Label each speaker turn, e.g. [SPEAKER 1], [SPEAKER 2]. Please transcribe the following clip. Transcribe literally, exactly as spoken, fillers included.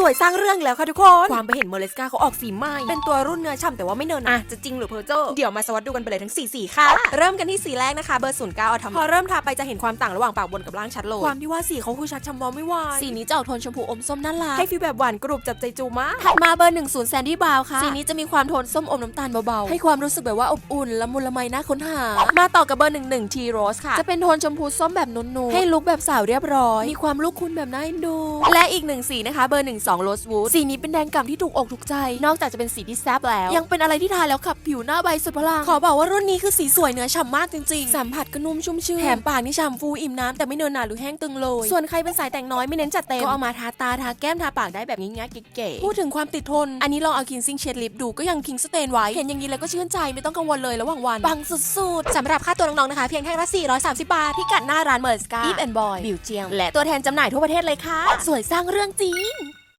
[SPEAKER 1] สวยสร้างเรื่องแล้วค่ะทุกคนความไปเห็นเมอร์เลสกาเขาออกสีใหม่เป็นตัวรุ่นเนื้อฉ่ำแต่ว่าไม่เนินอ่ะจะจริงหรือเพอร์เจอร์เดี๋ยวมาสวัสดดูกันไปเลยทั้งสี่สีค่ะเริ่มกันที่สีแรกนะคะเบอร์ศูนย์เก้าอทอมพอเริ่มทาไปจะเห็นความต่างระหว่างปากบนกับล่างชัดเลยความที่ว่าสีเขาคือชัดชำมองไม่ไหวสีนี้จะออกโทนชมพูอมส้มน่ารักให้ฟีลแบบหวานกรุบจับใจจูมากถัดมาเบอร์หนึ่งศูนย์แซนดี้บาวค่ะสีนี้จะมีความโทนส้มอมน้ำตาลเบาๆให้ความรู้สึกแบบว่าอบอุ่นละมุนละไมน่าค้นหามาต่อกับเบอร์หนึ่งหนึ่งทีโรสค่ะจะเป็นโทนชมพูส้มแบบนุ่นๆให้ลุคแบบสาวเรียบร้อยมีความลูกคุณแบบน่าเอ็นดูและอีกหนึ่งสีนะคะเบอร์หนึ่งสองโรสวูดสีนี้เป็นแดงก่ำที่ถูกอกถูกใจนอกจากจะเป็นสีที่แซ่บแล้วยังเป็นอะไรที่ทาแล้วขับผิวหน้าใบสุดพลังขอบอกว่ารุ่นนี้คือสีสวยเนื้อฉ่ำมากจริงๆสัมผัสก็นุ่มชุ่มชื่นแถมปากนี่ฉ่ำฟูอิ่มน้ำแต่ไม่เนินหนาหรือแห้งตึงเลยส่วนใครเป็นสายแต่งน้อยไม่เน้นจัดเต็มก็เอามาทาตาทาแก้มทาปากได้แบบง่ายๆเก๋ๆพูดถึงความติดทนอันนี้ลองเอาคินซิ่งเชดลิปดูก็ยังคิงสเตนไว้เห็นอย่างนี้แล้วก็ชื่นใจไม่ต้องกังวลเลยระหว่างวันปังสุดๆสำหรับค่าตัวน้องๆนะคะเพียงแค่ละสี่ร้อยสามสิบบาทที่กัดหน้าร้านเมอร์สกาอีฟแอนด์บอยบิวเจียงและตัวแทนจำหน่ายทั่วประเทศเลยค่ะสวยสร้างเรื่องจริง